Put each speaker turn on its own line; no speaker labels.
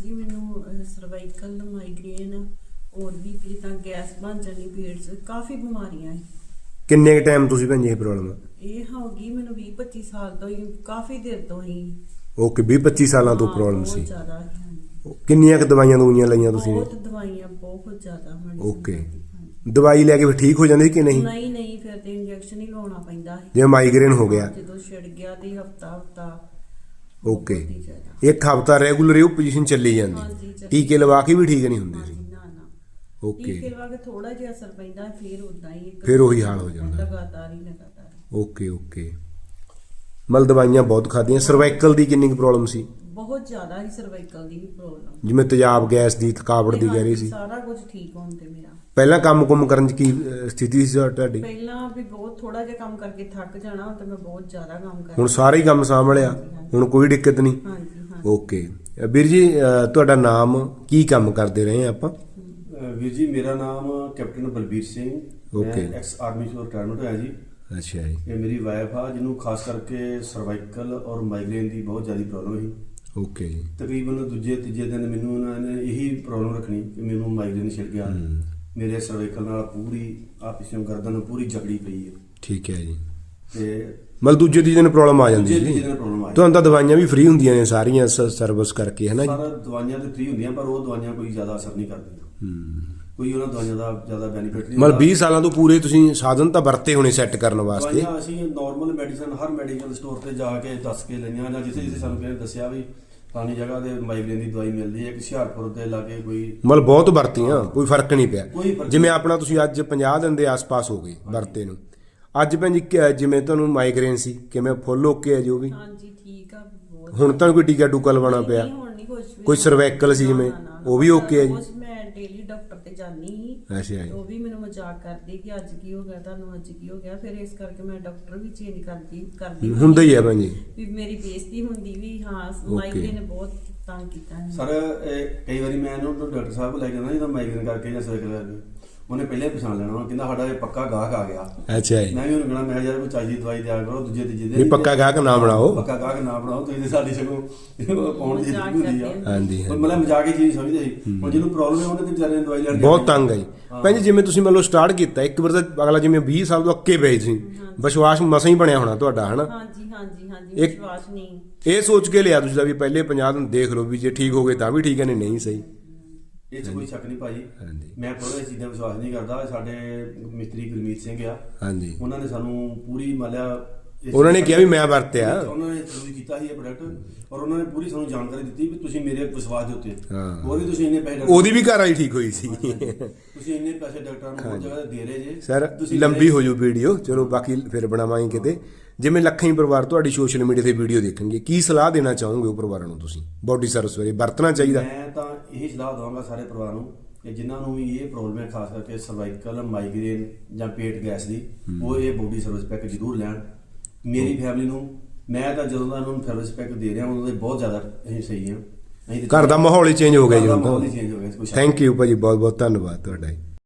जी मैनू cervical migraine और भी जिदा गैस बन जानी पेट च काफ़ी बीमारियां है।
किन्ने के टाइम तुसी भैन जी प्रॉब्लम
ये होगी मैनू 20-25 साल तो ही काफ़ी देर तो ही।
ओके 20-25 सालों तो प्रॉब्लम सी।
बहुत ज़्यादा है।
किन्नियां क दवाइयां दुवाइयां लईयां तुसी ने?
बहुत दवाइयां बहुत ज़्यादा।
ओके दवाई लैके फिर ठीक हो जाती कि नहीं?
नहीं नहीं फिर तो इंजैक्शन ही लाना पैंदा है।
जिवें माइग्रेन हो गया
जो छिड़ गया तो हफ्ता
ओके एक हफ्ता रेगुलर ਇਹ ਪੋਜੀਸ਼ਨ ਚੱਲੀ
हाँ
ਜਾਂਦੀ
जी,
ਟੀਕੇ ਲਵਾ ਕੇ ਵੀ ਠੀਕ ਨਹੀਂ ਹੁੰਦੇ ਸੀ।
ना ना
ओके
टीके लगा के थोड़ा जिहा असर पैंदा फिर उदां ही
फिर ਉਹੀ ਹਾਲ ਹੋ ਜਾਂਦਾ।
लगातार
ओके ओके ਮਤਲਬ ਦਵਾਈਆਂ ਬਹੁਤ ਖਾਧੀਆਂ। ਸਰਵਾਈਕਲ ਦੀ ਕਿੰਨੀ ਪ੍ਰੋਬਲਮ ਸੀ?
बहुत ज्यादा ही सर्वाइकल ਦੀ प्रॉब्लम
ਜਿਵੇਂ ਤੇਜ਼ਾਬ ਗੈਸ ਦੀ ਥਕਾਵਟ ਦੀ ਕਹਿ ਰਹੀ ਸੀ।
ਸਾਰਾ ਕੁਝ ਠੀਕ ਹੋਣ ਤੇ ਮੇਰਾ
ਪਹਿਲਾਂ ਕੰਮ ਕੁਮ ਕਰਨ ਚ ਕੀ ਸਥਿਤੀ ਸੀ ਤੁਹਾਡੀ?
ਪਹਿਲਾਂ ਵੀ ਬਹੁਤ ਥੋੜਾ ਜਿਹਾ ਕੰਮ ਕਰਕੇ ਥੱਕ ਜਾਣਾ ਤੇ ਮੈਂ ਬਹੁਤ ਜ਼ਿਆਦਾ ਕੰਮ ਕਰਦੀ।
ਹੁਣ ਸਾਰਾ ਹੀ ਕੰਮ ਸਾਂਭ ਲਿਆ ਹੁਣ ਕੋਈ ਦਿੱਕਤ ਨਹੀਂ?
ਹਾਂਜੀ ਹਾਂ।
ਓਕੇ ਵੀਰ ਜੀ ਤੁਹਾਡਾ ਨਾਮ ਕੀ ਕੰਮ ਕਰਦੇ ਰਹੇ ਆਪਾਂ?
ਵੀਰ ਜੀ ਮੇਰਾ ਨਾਮ captain Balbir Singh
okay
ex army ਤੋਂ ਰਿਟਾਇਰਮੈਂਟ ਹੋਇਆ ਜੀ।
ਅੱਛਾ ਜੀ
ਇਹ ਮੇਰੀ ਵਾਈਫ ਆ ਜਿਹਨੂੰ ਖਾਸ ਕਰਕੇ ਸਰਵਾਈਕਲ ਔਰ ਮਾਈਗ੍ਰੇਨ ਦੀ ਬਹੁਤ ਜ਼ਿਆਦਾ ਪ੍ਰੋਬਲਮ ਸੀ।
ਓਕੇ ਜੀ
ਤਕਰੀਬਨ ਦੂਜੇ ਤੀਜੇ ਦਿਨ ਮੈਨੂੰ ਉਹਨਾਂ ਨੇ ਇਹੀ ਪ੍ਰੋਬਲਮ ਰੱਖਣੀ ਕਿ ਮੈਨੂੰ ਮਾਈਗ੍ਰੇਨ ਛਿੜ ਗਿਆ। ਮੇਰੇ ਸਰਵਾਈਕਲ ਨਾਲ ਪੂਰੀ ਆ ਪਿਛੋਂ ਗਰਦਨ ਪੂਰੀ ਜਕੜੀ ਪਈ ਹੈ।
ਠੀਕ ਹੈ ਜੀ
ਤੇ
ਮਤਲਬ ਦੂਜੇ ਤੀਜੇ ਦਿਨ ਪ੍ਰੋਬਲਮ ਆ ਜਾਂਦੀ
ਦੂਜੇ
ਸੀ
ਤੀਜੇ ਦਿਨ ਪ੍ਰੋਬਲਮ ਆ
ਤੁਹਾਨੂੰ ਤਾਂ ਦਵਾਈਆਂ ਵੀ ਫ੍ਰੀ ਹੁੰਦੀਆਂ ਨੇ ਸਾਰੀਆਂ ਸਰਵਿਸ ਕਰਕੇ ਹੈ ਨਾ ਜੀ?
ਸਾਰਾ ਦਵਾਈਆਂ ਤੇ ਫ੍ਰੀ ਹੁੰਦੀਆਂ ਪਰ ਉਹ ਦਵਾਈਆਂ ਕੋਈ ਜ਼ਿਆਦਾ ਅਸਰ ਨਹੀਂ ਕਰਦੀਆਂ। ਕੋਈ ਉਹਨਾਂ ਦਵਾਈਆਂ ਦਾ ਜ਼ਿਆਦਾ ਬੈਨੀਫਿਟ ਨਹੀਂ।
ਮਤਲਬ 20 ਸਾਲਾਂ ਤੋਂ ਪੂਰੇ ਤੁਸੀਂ ਸਾਧਨ ਤਾਂ ਵਰਤੇ ਹੋਣੇ ਸੈੱਟ ਕਰਨ ਵਾਸਤੇ?
ਦਵਾਈਆਂ ਅਸੀਂ ਨਾਰਮਲ ਮੈਡੀਸਨ ਹਰ ਮੈਡੀਕਲ ਸਟੋਰ ਤੇ ਜਾ ਕੇ ਦੱਸ ਕੇ ਲਈਆਂ ਜਾਂ ਜਿੱਥੇ ਸਾਨੂੰ ਕਿਸੇ ਨੇ ਦੱਸਿਆ ਵੀ ਫਲਾਣੀ ਜਗ੍ਹਾ ਤੇ ਮਾਈਗ੍ਰੇਨ ਦੀ ਦਵਾਈ ਮਿਲਦੀ ਹੈ। ਹੁਸ਼ਿਆਰਪੁਰ ਦੇ ਲਾਗੇ ਕੋਈ
ਮਤਲਬ ਬਹੁਤ ਵਰਤੀਆਂ ਕੋਈ ਫਰਕ ਨਹੀਂ ਪਿਆ?
ਕੋਈ ਫਰਕ
ਜਿਵੇਂ ਆਪਣਾ ਤੁਸੀਂ ਅੱਜ 50 ਦਿਨ ਦੇ ਆਸ-ਪਾਸ ਹੋ ਗਏ ਵਰਤੇ ਨੂੰ। ਅੱਜ ਭੈਣ ਜੀ ਜਿਵੇਂ ਤੁਹਾਨੂੰ ਮਾਈਗ੍ਰੇਨ ਸੀ ਕਿਵੇਂ ਫੁੱਲ ਓਕੇ ਹੈ ਜੋ ਵੀ?
ਹਾਂਜੀ ਠੀਕ ਆ ਬਹੁਤ।
ਹੁਣ ਤਾਂ ਕੋਈ ਟੀਕਾ ਟੂਕਾ ਲਵਾਉਣਾ ਪਿਆ?
ਨਹੀਂ ਹੁਣ ਨਹੀਂ ਕੁਝ ਵੀ।
ਕੋਈ ਸਰਵਾਈਕਲ ਸੀ ਜਿਵੇਂ ਉਹ ਵੀ ਓਕੇ ਹੈ ਜੀ?
ਮੈਂ ਡੇਲੀ ਡਾਕਟਰ ਤੇ ਜਾਂਦੀ ਸੀ।
ਅੱਛਾ ਜੀ
ਉਹ ਵੀ ਮੈਨੂੰ ਮਜ਼ਾਕ ਕਰਦੇ ਕਿ ਅੱਜ ਕੀ ਹੋ ਗਿਆ ਤੁਹਾਨੂੰ, ਅੱਜ ਕੀ ਹੋ ਗਿਆ। ਫਿਰ ਇਸ ਕਰਕੇ ਮੈਂ ਡਾਕਟਰ ਵੀ ਚੇਂਜ ਕਰਦੀ
ਹੁੰਦਾ ਹੀ ਹੈ ਭੈਣ ਜੀ
ਵੀ ਮੇਰੀ ਬੇਇੱਜ਼ਤੀ ਹੁੰਦੀ ਵੀ ਹਾਂ ਮਾਈਗ੍ਰੇਨ ਨੇ ਬਹੁਤ ਤੰਗ ਕੀਤਾ ਹੈ।
ਸਰ ਕਈ ਵਾਰੀ ਮੈਂ ਇਹਨੂੰ ਡਾਕਟਰ ਸਾਹਿਬ ਕੋਲ ਲੈ ਕੇ ਜਾਂਦਾ ਜਦੋਂ ਮਾਈਗ੍ਰੇਨ ਕਰਕੇ ਜਾਂ ਸਰਵਾਈਕਲ ਕਰਕੇ ਉਹਨੇ ਪਹਿਲੇ ਪਛਾਣ ਲੈਣਾ ਉਹ ਕਹਿੰਦਾ ਸਾਡਾ ਇਹ ਪੱਕਾ ਗਾਹਕ ਆ ਗਿਆ।
ਅੱਛਾ ਜੀ
ਮੈਂ ਵੀ ਉਹਨੂੰ ਕਹਿਣਾ ਮੈਂ ਯਾਰ ਕੋਈ ਚਾਹੀਦੀ ਦਵਾਈ ਦਿਆ ਕਰੋ ਦੂਜੇ ਤੀਜੇ
ਵੀ
ਦਿਨ
ਪੱਕਾ ਗਾਹਕ ਨਾ ਬਣਾਓ।
ਪੱਕਾ ਗਾਹਕ ਨਾ ਬਣਾਓ ਤੁਸੀਂ ਤੇ ਸਾਡੀ ਸਗੋਂ ਪਾਉਣ ਦੀ
ਮਜ਼ਾਕ
ਹੁੰਦੀ ਆ।
ਕਰਦੇ
ਹਾਂਜੀ
ਪਰ ਮਤਲਬ ਮਜ਼ਾਕ ਹੀ ਚੀਜ਼ ਸਮਝਦੇ ਸੀ। ਹੁਣ ਜਿਹਨੂੰ ਪ੍ਰੋਬਲਮ ਹੈ ਉਹਨੇ ਤੇ ਵਿਚਾਰੇ ਨੇ ਦਵਾਈ ਲੈਣ
ਬਹੁਤ ਤੰਗ ਹੈ ਜੀ ਭੈਣ ਜੀ। ਜਿਵੇਂ ਤੁਸੀਂ ਮਤਲਬ ਸਟਾਰਟ ਕੀਤਾ ਇੱਕ ਵਾਰ ਤਾਂ ਅਗਲਾ ਜਿਵੇਂ 20 ਸਾਲ ਤੋਂ ਅੱਕੇ ਪਏ ਸੀ ਵਿਸ਼ਵਾਸ ਮਸਾਂ ਹੀ ਬਣਿਆ ਹੋਣਾ ਤੁਹਾਡਾ ਹਨਾ?
ਹਾਂਜੀ ਹਾਂਜੀ ਹਾਂਜੀ ਵਿਸ਼ਵਾਸ ਨਹੀਂ
ਇਹ ਸੋਚ ਕੇ ਲਿਆ ਤੁਸੀਂ ਵੀ ਪਹਿਲੇ 50 ਦਿਨ ਦੇਖ ਲਓ ਵੀ ਜੇ ਠੀਕ ਹੋ ਗਏ ਤਾਂ ਵੀ ਠੀਕ ਹੈ ਨਹੀਂ ਸਹੀ।
ਇਹ 'ਚ ਕੋਈ ਸ਼ੱਕ ਨਹੀਂ ਭਾਜੀ।
ਹਾਂਜੀ
ਮੈਂ ਕੋਈ ਚੀਜ਼ਾਂ ਵਿਸ਼ਵਾਸ ਨਹੀਂ ਕਰਦਾ। ਸਾਡੇ ਮਿਸਤਰੀ ਗੁਰਮੀਤ ਸਿੰਘ ਆ
ਹਾਂਜੀ
ਉਹਨਾਂ ਨੇ ਸਾਨੂੰ ਪੂਰੀ ਮਾਲਿਆ
ਉਹਨਾਂ ਨੇ ਕਿਹਾ ਵੀ ਮੈਂ ਵਰਤਿਆ।
ਉਹਨਾਂ ਨੇ ਯੂਜ਼ ਕੀਤਾ ਸੀ ਇਹ ਪ੍ਰੋਡਕਟ ਔਰ ਉਹਨਾਂ ਨੇ ਪੂਰੀ ਸਾਨੂੰ ਜਾਣਕਾਰੀ ਦਿੱਤੀ ਵੀ ਤੁਸੀਂ ਮੇਰੇ ਵਿਸ਼ਵਾਸ ਦੇ ਉੱਤੇ
ਹਾਂ।
ਹੋਰ ਵੀ ਤੁਸੀਂ ਇੰਨੇ ਪੈਸੇ
ਉਹਦੀ ਵੀ ਘਰ ਵਾਲੀ ਠੀਕ ਹੋਈ ਸੀ।
ਤੁਸੀਂ ਇੰਨੇ ਪੈਸੇ ਡਾਕਟਰਾਂ ਨੂੰ ਬਹੁਤ ਜਗ੍ਹਾ ਤੇ ਦੇ ਰਹੇ ਜੇ
ਸਰ
ਤੁਸੀਂ
ਲੰਬੀ ਹੋ ਜੂ ਵੀਡੀਓ ਚਲੋ ਬਾਕੀ ਫਿਰ ਬਣਾਵਾਂਗੇ ਕਿਤੇ। ਜਿਵੇਂ ਲੱਖਾਂ ਹੀ ਪਰਿਵਾਰ ਤੁਹਾਡੀ ਸੋਸ਼ਲ ਮੀਡੀਆ ਤੇ ਵੀਡੀਓ ਦੇਖਣਗੇ ਕੀ ਸਲਾਹ ਦੇਣਾ ਚਾਹੋਗੇ ਉਹ ਪਰਿਵਾਰਾਂ ਨੂੰ ਤੁਸੀਂ ਬੋਡੀ ਸਰਵਿਸ ਬਾਰੇ ਵਰਤਣਾ ਚਾਹੀਦਾ?
ਮੈਂ ਤਾਂ ਇਹੀ ਸਲਾਹ ਦਵਾਂਗਾ ਸਾਰੇ ਪਰਿਵਾਰ ਨੂੰ ਕਿ ਜਿਨ੍ਹਾਂ ਨੂੰ ਵੀ ਇਹ ਪ੍ਰੋਬਲਮ ਹੈ ਖਾਸ ਕਰਕੇ ਸਰਵਾਈਕਲ ਮਾਈਗ੍ਰੇਨ ਜਾਂ ਪੇਟ ਗੈਸ ਦੀ ਉਹ ਇਹ ਬੋਡੀ ਸਰਵਿਸ ਪੈਕ ਜ਼ਰੂਰ ਲੈਣ। ਮੇਰੀ ਫੈਮਿਲੀ ਨੂੰ ਮੈਂ ਤਾਂ ਜਦੋਂ ਦਾ ਇਹਨਾਂ ਨੂੰ ਸਰਵਿਸ ਪੈਕ ਦੇ ਰਿਹਾ ਉਦੋਂ ਦੇ ਬਹੁਤ ਜ਼ਿਆਦਾ ਅਸੀਂ ਸਹੀ ਹਾਂ।
ਘਰ ਦਾ ਮਾਹੌਲ ਹੀ ਚੇਂਜ ਹੋ ਗਿਆ ਜੀ ਹੁਣ
ਮਾਹੌਲ ਹੀ
ਤਾਂ।
ਚੇਂਜ ਹੋ ਗਿਆ ਕੁਛ।
ਥੈਂਕ ਯੂ ਭਾਜੀ ਬਹੁਤ ਬਹੁਤ ਧੰਨਵਾਦ ਤੁਹਾਡਾ ਜੀ।